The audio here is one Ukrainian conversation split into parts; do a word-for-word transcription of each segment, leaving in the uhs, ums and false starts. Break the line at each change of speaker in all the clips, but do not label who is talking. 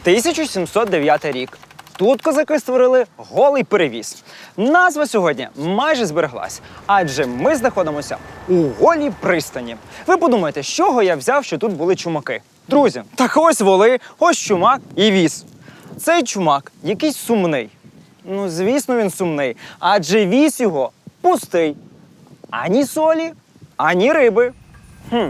тисяча сімсот дев'ятий рік. Тут козаки створили голий перевіз. Назва сьогодні майже збереглась, адже ми знаходимося у голій пристані. Ви подумаєте, з чого я взяв, що тут були чумаки? Друзі, так ось воли, ось чумак і віз. Цей чумак якийсь сумний. Ну, звісно, він сумний, адже віз його пустий. Ані солі, ані риби. Хм.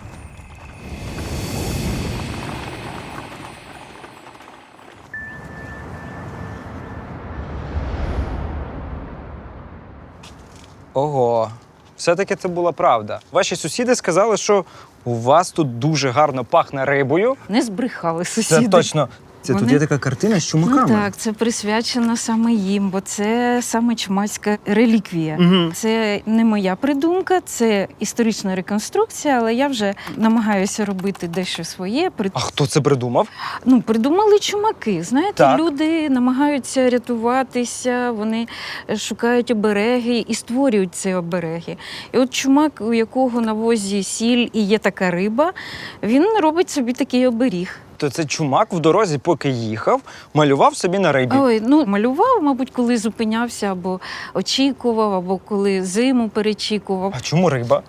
Ого, все-таки це була правда. Ваші сусіди сказали, що у вас тут дуже гарно пахне рибою.
Не збрехали сусіди.
Це точно. Це
Вони-
тут є така картина з чумаками.
Ну так, це присвячено саме їм, бо це саме чумацька реліквія.
Угу.
Це не моя придумка, це історична реконструкція, але я вже намагаюся робити дещо своє. При-
А хто це придумав?
Ну, придумали чумаки. Знаєте,
Так.
люди намагаються рятуватися, вони шукають обереги і створюють ці обереги. І от чумак, у якого на возі сіль і є така риба, він робить собі такий оберіг.
То це чумак в дорозі, поки їхав, малював собі на рибі.
Ой, ну малював, мабуть, коли зупинявся, або очікував, або коли зиму перечікував.
А чому риба?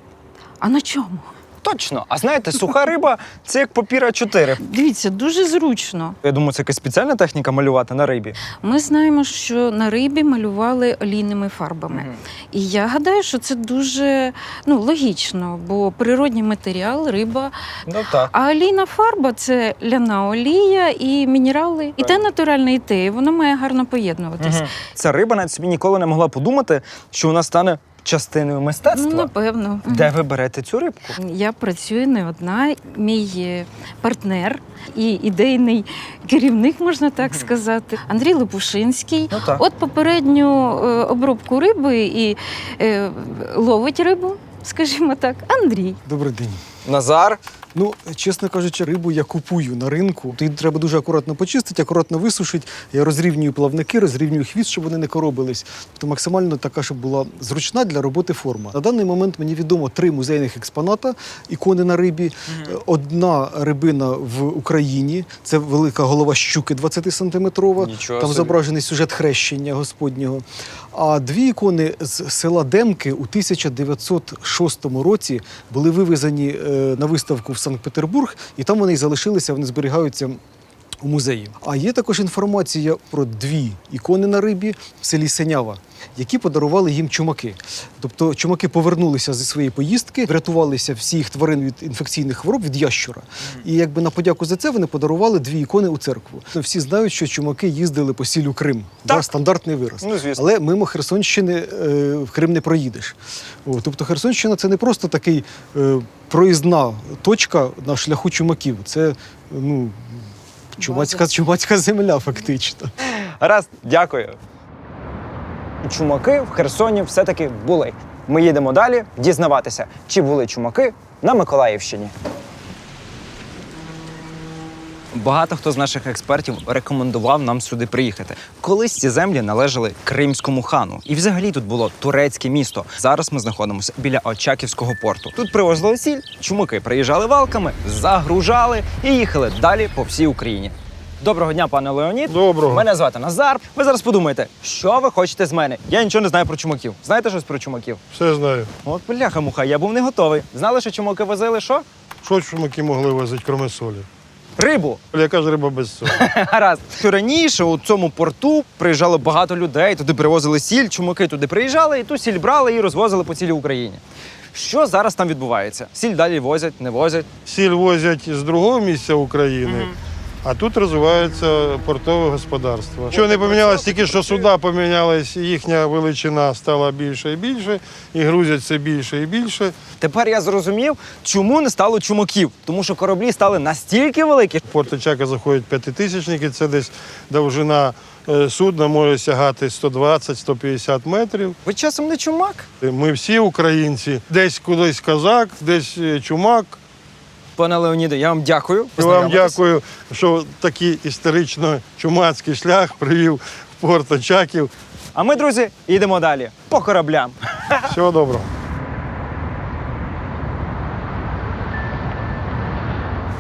А на чому?
Точно. А знаєте, суха риба – це як папір а чотири.
Дивіться, дуже зручно.
Я думаю, це якась спеціальна техніка малювати на рибі.
Ми знаємо, що на рибі малювали олійними фарбами.
Мгм.
І я гадаю, що це дуже ну, логічно, бо природній матеріал, риба.
Ну так.
А олійна фарба – це ляна олія і мінерали. І те натуральне, і те. І воно має гарно поєднуватись.
Угу. Ця риба навіть собі ніколи не могла подумати, що вона стане частиною мистецтва.
Ну, напевно.
Де ви берете цю рибку?
Я працюю не одна. Мій е, партнер і ідейний керівник, можна так сказати, Андрій Лопушинський.
Ну так.
От попередню е, обробку риби і е, ловить рибу, скажімо так, Андрій.
Добрий день.
Назар.
Ну, чесно кажучи, рибу я купую на ринку. Її треба дуже акуратно почистити, акуратно висушити. Я розрівнюю плавники, розрівнюю хвіст, щоб вони не коробились. Тобто максимально така, щоб була зручна для роботи форма. На даний момент мені відомо три музейних експоната, ікони на рибі. Одна рибина в Україні, це велика голова щуки двадцятисантиметрова.
Нічого
Там
собі.
зображений сюжет хрещення Господнього. А дві ікони з села Демки у тисяча дев'ятсот шостому році були вивезені е, на виставку в Санкт-Петербург, і там вони і залишилися, вони зберігаються у музеї. А є також інформація про дві ікони на рибі в селі Сенява, які подарували їм чумаки. Тобто чумаки повернулися зі своєї поїздки, врятувалися всіх тварин від інфекційних хвороб, від ящура. І якби на подяку за це вони подарували дві ікони у церкву. Всі знають, що чумаки їздили по сіллю Крим. Да, стандартний вираз.
Ну, звісно.
Але мимо Херсонщини е, в Крим не проїдеш. О, тобто Херсонщина – це не просто такий е, проїзна точка на шляху чумаків. Це, ну, чумацька, чумацька земля фактично.
Гаразд, дякую. Чумаки в Херсоні все-таки були. Ми їдемо далі дізнаватися, чи були чумаки на Миколаївщині. Багато хто з наших експертів рекомендував нам сюди приїхати. Колись ці землі належали кримському хану. І взагалі тут було турецьке місто. Зараз ми знаходимося біля Очаківського порту. Тут привозили сіль, чумаки приїжджали валками, загружали і їхали далі по всій Україні. Доброго дня, пане Леонід.
Доброго.
Мене звати Назар. Ви зараз подумаєте, що ви хочете з мене? Я нічого не знаю про чумаків. Знаєте щось про чумаків?
Все знаю.
От бляха-муха, я був не готовий. Знали, що чумаки возили що?
Що чумаки могли возити, крім солі?
Рибу.
Яка ж риба без солі?
Гаразд. Раніше у цьому порту приїжджало багато людей, туди привозили сіль, чумаки туди приїжджали, і ту сіль брали і розвозили по цілій Україні. Що зараз там відбувається? Сіль далі возять, не возять?
Сіль возять з другого місця України, а тут розвивається портове господарство. Що не помінялось, тільки що суда помінялись, їхня величина стала більше і більше, і грузять все більше і більше.
Тепер я зрозумів, чому не стало чумаків. Тому що кораблі стали настільки великі.
В порт Очака заходять п'ятитисячники, це десь довжина е, судна може сягати сто двадцять - сто п'ятдесят метрів.
Ви часом не чумак?
Ми всі українці, десь кудись козак, десь е, чумак.
Пане Леоніде, я вам дякую.
І вам
Познайомитись.
дякую, що такий історично-чумацький шлях привів в порт Очаків.
А ми, друзі, їдемо далі. По кораблям.
Всього доброго.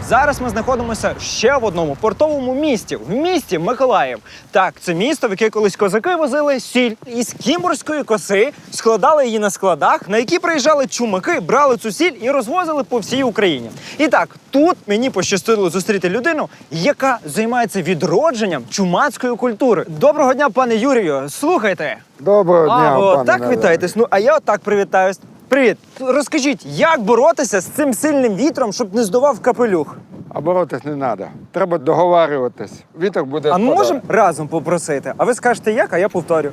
Зараз ми знаходимося ще в одному портовому місті, в місті Миколаїв. Так, це місто, в яке колись козаки возили сіль із кімбурської коси, складали її на складах, на які приїжджали чумаки, брали цю сіль і розвозили по всій Україні. І так, тут мені пощастило зустріти людину, яка займається відродженням чумацької культури. Доброго дня, пане Юрію. Слухайте.
Доброго дня,
А, ви
пане
отак
Назаре.
вітаєтесь? Ну, а я отак привітаюсь. Привіт. Розкажіть, як боротися з цим сильним вітром, щоб не здував капелюх?
А боротись не треба. Треба договарюватись. Вітер буде
А
спадати.
можемо разом попросити? А ви скажете як, а я повторю.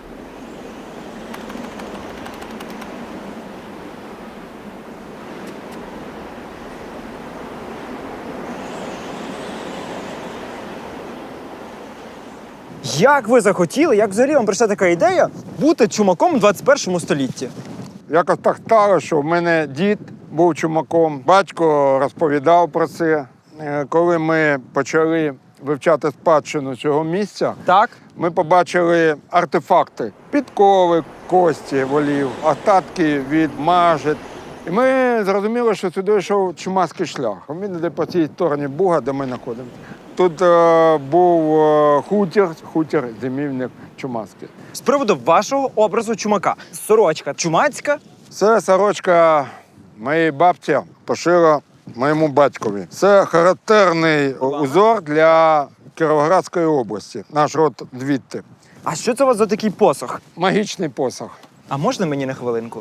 Як ви захотіли, як взагалі вам прийшла така ідея бути чумаком у двадцять першому столітті?
Якось так стало, що в мене дід був чумаком. Батько розповідав про це. Е, Коли ми почали вивчати спадщину цього місця,
Так?
ми побачили артефакти. Підкови, кості волів, остатки від мажет. І ми зрозуміли, що сюди йшов чумацький шлях. Він йде по цій стороні Буга, де ми знаходимося. Тут е, був е, хутір, хутір, зимівник чумацький.
З приводу вашого образу чумака. Сорочка чумацька.
Це сорочка моєї бабці пошила моєму батькові. Це характерний узор для Кіровоградської області. Наш род звідти.
А що це у вас за такий посох?
Магічний посох.
А можна мені на хвилинку?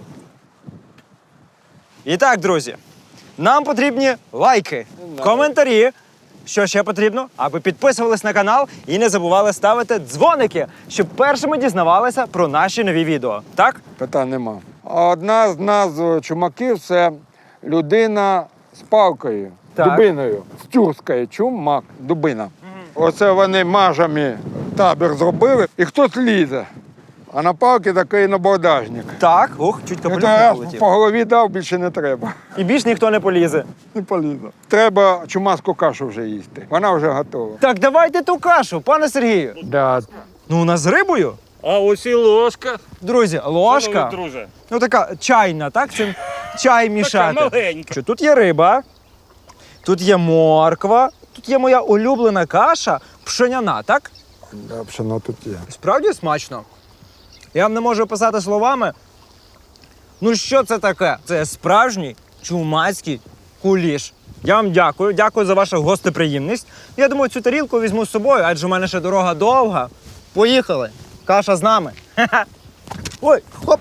І так, друзі, нам потрібні лайки, коментарі. Що ще потрібно? Аби підписувались на канал і не забували ставити дзвоники, щоб першими дізнавалися про наші нові відео. Так?
Питань нема. Одна з назв чумаків це людина з палкою,
Так.
дубиною. З тюркської чумак, дубина. Оце вони мажами табір зробили, і хтось лізе. А на палки такий набордажник.
Так. Ух, чуть капелюх
Це
не
раз
полетів.
по голові дав, більше не треба.
І більш ніхто не полізе.
Не полізе. Треба чумацьку кашу вже їсти. Вона вже готова.
Так, давайте ту кашу, пане Сергію.
Да.
Ну, у нас з рибою.
А ось і ложка.
Друзі, ложка.
Шановний друже.
Ну, така чайна, так? Цим чай мішати.
Така маленька.
Що тут є риба, тут є морква, тут є моя улюблена каша пшеняна, так?
Да, пшено тут є.
Справді смачно. Я вам не можу описати словами. Ну що це таке? Це справжній чумацький куліш. Я вам дякую, дякую за вашу гостеприємність. Я думаю, цю тарілку візьму з собою, адже в мене ще дорога довга. Поїхали. Каша з нами. Ха-ха. Ой, хоп.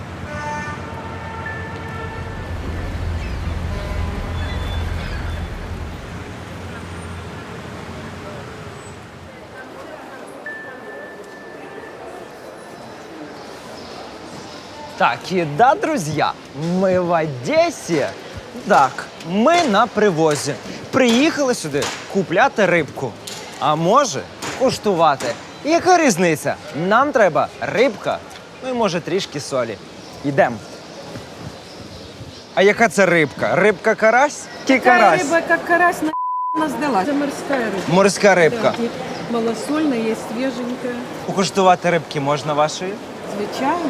Так, и да, друзья, ми в Одесі. Так, ми на привозі. Приїхали сюди купляти рибку. А може, куштувати. Яка різниця? Нам треба рибка, ну і може трішки солі. Йдемо. А яка це рибка? Рибка карась? Ки
Такая
карась?
рыба, как карась, на сдалась. Это морская рыба.
Морська рибка.
Да, и малосольная, есть свеженькая.
Покуштувати рибки можна вашої?
Звичайно.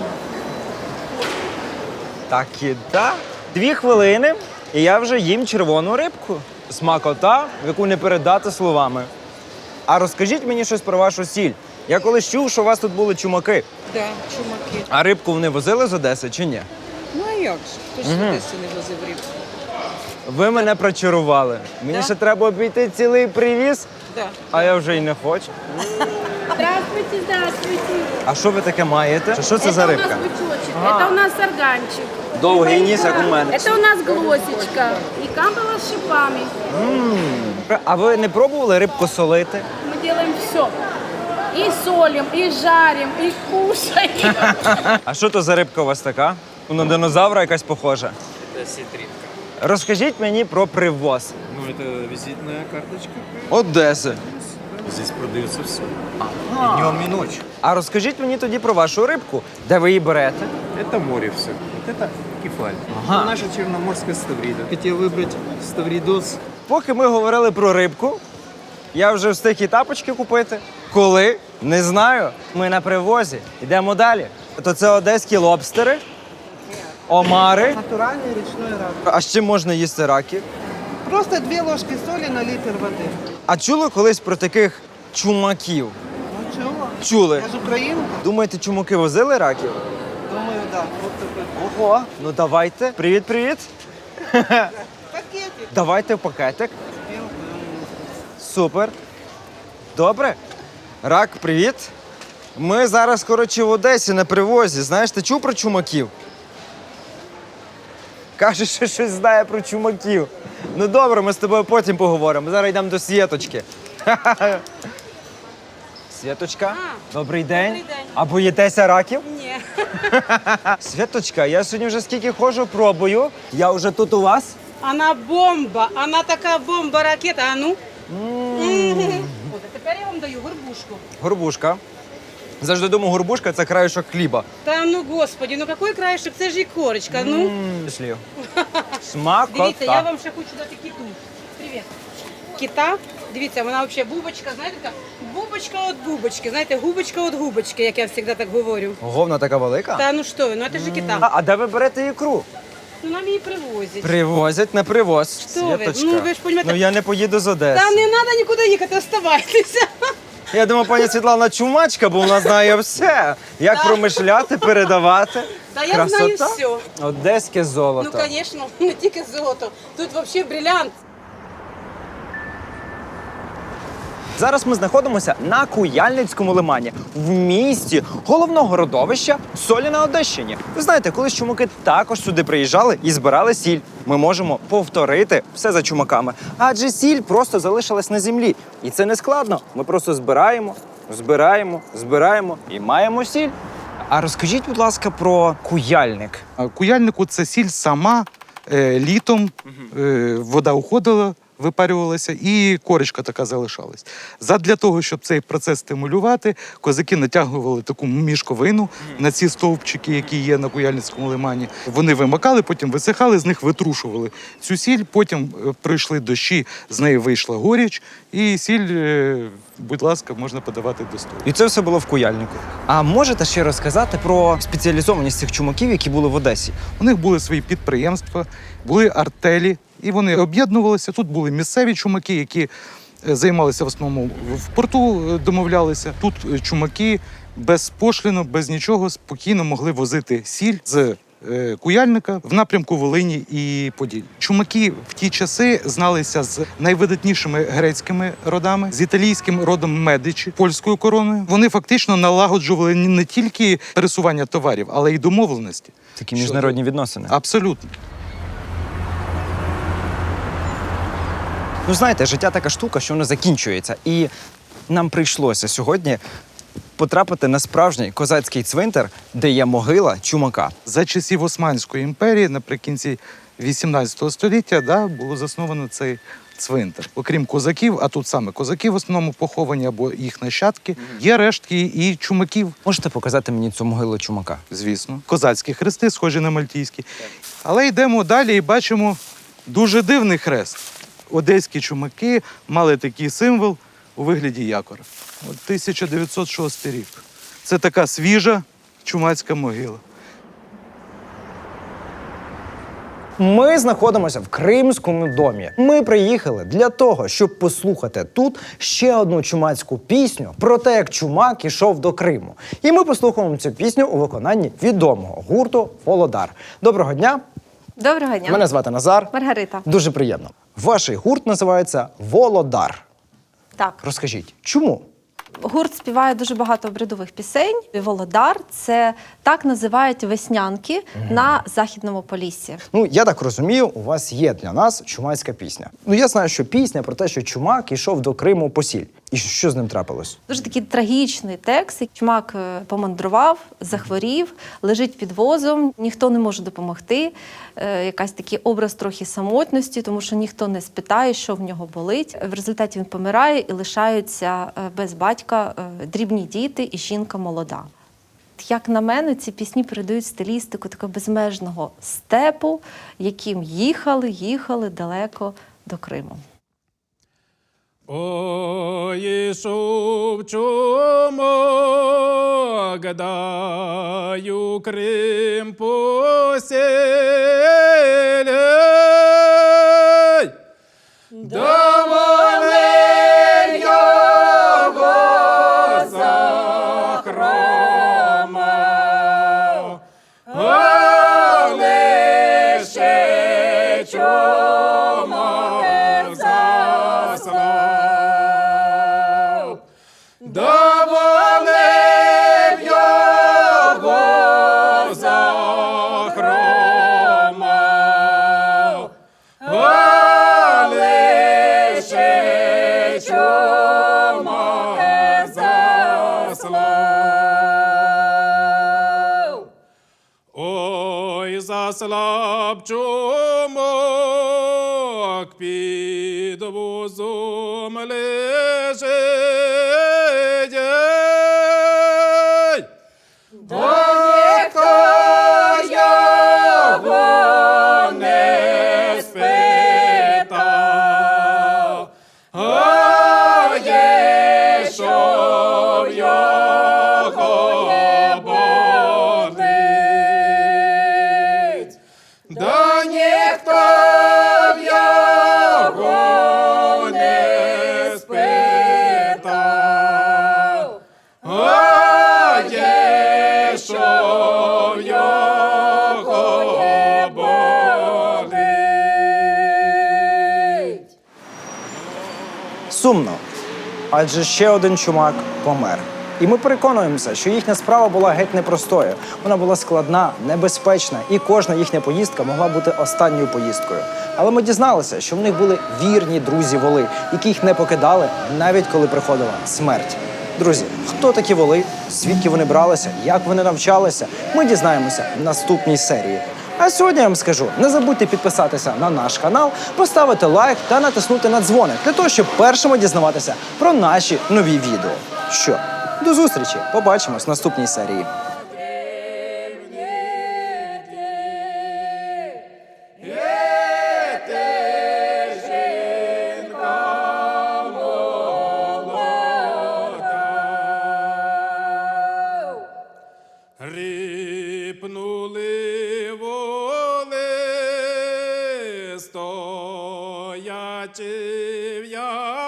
Так і да. Дві хвилини, і я вже їм червону рибку. Смакота, яку не передати словами. А розкажіть мені щось про вашу сіль. Я колись чув, що у вас тут були чумаки.
Да, чумаки.
А рибку вони возили з Одеси чи ні?
Ну а як же? Хто ж сюди не возив рибку?
Ви мене прочарували. Мені
Да.
ще треба обійти цілий привіз,
Да.
а я вже й не хочу.
Здравствуйте, здравствуйте.
А що ви таке маєте? Що це за
Это у
рибка?
нас бычочек, это у нас сарганчик.
Довгий ніс, як у мене.
Это у нас глосечка и камбала с шипами.
А ви не пробували рибку солити?
Мы делаем все. И солим, и жарим, и кушаем.
А що то за рибка у вас така? На динозавра якась похожа.
Це сітрінка.
Розкажіть мені про привоз.
Ну, это визитная карточка.
Одеси.
Здесь продается все. И днем, и ночью.
А розкажіть мені тоді про вашу рибку, де ви її берете?
Это море все. Вот это кефаль.
Ага.
Это наша черноморская ставрида. Хотел выбрать ставридос.
Поки ми говорили про рибку, я вже встиг і тапочки купити. Коли? Не знаю. Ми на привозі. Йдемо далі. То це одеські лобстери, омари.
Натуральний річний рак.
А з чим можна їсти раки?
Просто две ложки соли на литр воды.
А чули колись про таких чумаків?
Ну чего?
Чули.
Я же украинка.
Думаєте, чумаки возили раків?
Думаю, да. Вот такой.
Ого, ну давайте. Привіт-привіт.
Пакетик.
Давайте в пакетик. Супер. Добре. Рак, привіт. Ми зараз, коротше, в Одесі на привозі. Знаєш, ти чув про чумаків? Каже, що щось знає про чумаків. Ну добре, ми з тобою потім поговоримо. Зараз йдемо до Світочки. Світочка, добрий день.
добрий день.
А боїтеся раків?
Ні.
Світочка, я сьогодні вже скільки ходжу, пробую. Я вже тут у вас.
Вона бомба, вона така бомба-ракета. А ну? От, а тепер я вам даю горбушку.
Горбушка. Завжди думаю, горбушка – це краєшок хліба.
Та ну, господі, ну який краєшок? Це ж і корочка, ну.
М, слів. Смакота.
Дивіться, я вам ще хочу дати киту. Привіт. Кита, дивіться, вона взагалі бубочка, знаєте, така бубочка від бубочки, знаєте, губочка від губочки, як я завжди так говорю.
Говна така велика?
Та ну що ви, ну це ж кита.
А, а де ви берете ікру?
Ну нам її привозять.
Привозять на привоз.
Що ви?
Світочка.
Ну, ви ж понімаєте-
Ну я не поїду з Одеси.
Та не треба нікуди їхати, оставайтеся.
Я думаю, пані Світлана чумачка, бо вона знає все. Як
Да.
промишляти, передавати.
Та я
Красота.
знаю все.
Одеське
Ну,
золото.
звісно, не тільки золото. Тут взагалі брилянт.
Зараз ми знаходимося на Куяльницькому лимані, в місті головного родовища солі на Одещині. Ви знаєте, колись чумаки також сюди приїжджали і збирали сіль. Ми можемо повторити все за чумаками. Адже сіль просто залишилась на землі. І це не складно. Ми просто збираємо, збираємо, збираємо і маємо сіль. А розкажіть, будь ласка, про куяльник.
А Куяльнику це сіль сама е, літом, е, вода уходила, випарювалася, і корочка така залишалась. Задля того, щоб цей процес стимулювати, козаки натягували таку мішковину на ці стовпчики, які є на Куяльницькому лимані. Вони вимикали, потім висихали, з них витрушували цю сіль, потім е, прийшли дощі, з неї вийшла горіч, і сіль, е, будь ласка, можна подавати до столу.
І це все було в куяльнику. А можете ще розказати про спеціалізованість цих чумаків, які були в Одесі?
У них були свої підприємства, були артелі, і вони об'єднувалися. Тут були місцеві чумаки, які е, займалися в основному в порту, е, домовлялися. Тут е, чумаки без пошліну, без нічого спокійно могли возити сіль з е, Куяльника в напрямку Волині і Поділля. Чумаки в ті часи зналися з найвидатнішими грецькими родами, з італійським родом Медичі, польською короною. Вони фактично налагоджували не тільки пересування товарів, але й домовленості.
Такі міжнародні відносини.
Абсолютно.
Ну, знаєте, життя така штука, що воно закінчується. І нам прийшлося сьогодні потрапити на справжній козацький цвинтар, де є могила чумака.
За часів Османської імперії, наприкінці вісімнадцятого століття, да, було засновано цей цвинтар. Окрім козаків, а тут саме козаки в основному поховані або їх нащадки, є рештки і чумаків,
Можете показати мені цю могилу чумака?
звісно. Козацькі хрести, схожі на мальтійські. Але йдемо далі і бачимо дуже дивний хрест. Одеські чумаки мали такий символ у вигляді якора. От тисяча дев'ятсот шостий рік. Це така свіжа чумацька могила.
Ми знаходимося в Кримському домі. Ми приїхали для того, щоб послухати тут ще одну чумацьку пісню про те, як чумак ішов до Криму. І ми послухаємо цю пісню у виконанні відомого гурту «Володар». Доброго дня!
Доброго дня.
Мене звати Назар.
Маргарита.
Дуже приємно. Ваш гурт називається «Володар».
Так.
Розкажіть, чому?
Гурт співає дуже багато обрядових пісень. Володар – це так називають веснянки на Західному Поліссі.
Ну, я так розумію, у вас є для нас чумацька пісня. Ну, я знаю, що пісня про те, що чумак ішов до Криму по сіль. І що з ним трапилось?
Дуже такий трагічний текст. Чумак е, помандрував, захворів, лежить під возом, ніхто не може допомогти. Е, Якась такий образ трохи самотності, тому що ніхто не спитає, що в нього болить. В результаті він помирає і лишаються е, без батька е, дрібні діти і жінка молода. Як на мене, ці пісні передають стилістику такого безмежного степу, яким їхали, їхали далеко до Криму.
Ой, ішов чумак, даю Крим поселяй, заслав. Доволив його за хрома, а лише чума заслав. Ой, заслаб чумак, під возом лежить. До ніхто його не спитав, а є, що його болить. До ніхто його не спитав, а є, що його болить.
Сумно, адже ще один чумак помер. І ми переконуємося, що їхня справа була геть непростою. Вона була складна, небезпечна, і кожна їхня поїздка могла бути останньою поїздкою. Але ми дізналися, що в них були вірні друзі-воли, які їх не покидали, навіть коли приходила смерть. Друзі, хто такі воли, звідки вони бралися, як вони навчалися, ми дізнаємося в наступній серії. А сьогодні я вам скажу, не забудьте підписатися на наш канал, поставити лайк та натиснути на дзвоник, для того, щоб першими дізнаватися про наші нові відео. Що, до зустрічі, побачимось в наступній серії.
Ріпнули воли, стоячи в